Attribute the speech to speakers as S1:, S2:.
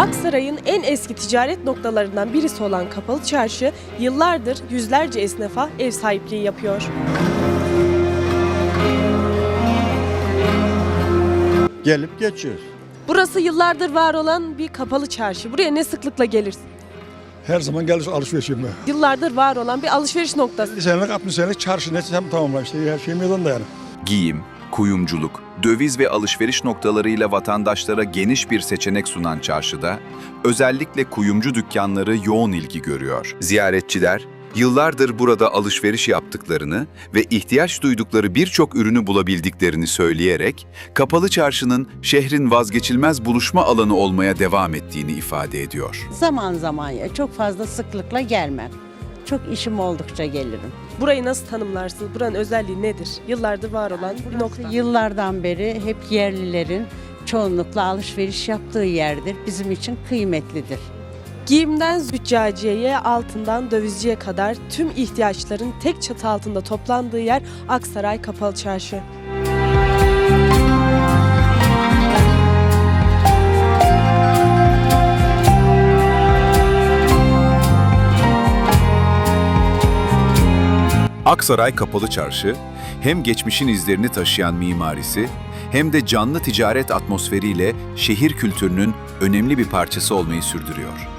S1: Aksaray'ın en eski ticaret noktalarından birisi olan Kapalı Çarşı, yıllardır yüzlerce esnafa ev sahipliği yapıyor.
S2: Gelip geçiyoruz.
S1: Burası yıllardır var olan bir kapalı çarşı. Buraya ne sıklıkla gelirsin?
S3: Her zaman gelir alışveriş yapmaya.
S1: Yıllardır var olan bir alışveriş noktası.
S3: 50 senelik 60 senelik çarşı neticem tamamla işte her şey meydanda yani.
S4: Giyim, kuyumculuk, döviz ve alışveriş noktalarıyla vatandaşlara geniş bir seçenek sunan çarşıda, özellikle kuyumcu dükkanları yoğun ilgi görüyor. Ziyaretçiler, yıllardır burada alışveriş yaptıklarını ve ihtiyaç duydukları birçok ürünü bulabildiklerini söyleyerek, Kapalı Çarşı'nın şehrin vazgeçilmez buluşma alanı olmaya devam ettiğini ifade ediyor.
S5: Zaman zaman ya çok fazla sıklıkla gelmem. Çok işim oldukça gelirim.
S1: Burayı nasıl tanımlarsın? Buranın özelliği nedir? Yıllardır var olan bir nokta.
S5: Yıllardan beri hep yerlilerin çoğunlukla alışveriş yaptığı yerdir. Bizim için kıymetlidir.
S1: Giyimden züccaciyeye, altından dövizciye kadar tüm ihtiyaçların tek çatı altında toplandığı yer Aksaray Kapalı Çarşı.
S4: Aksaray Kapalı Çarşı, hem geçmişin izlerini taşıyan mimarisi, hem de canlı ticaret atmosferiyle şehir kültürünün önemli bir parçası olmayı sürdürüyor.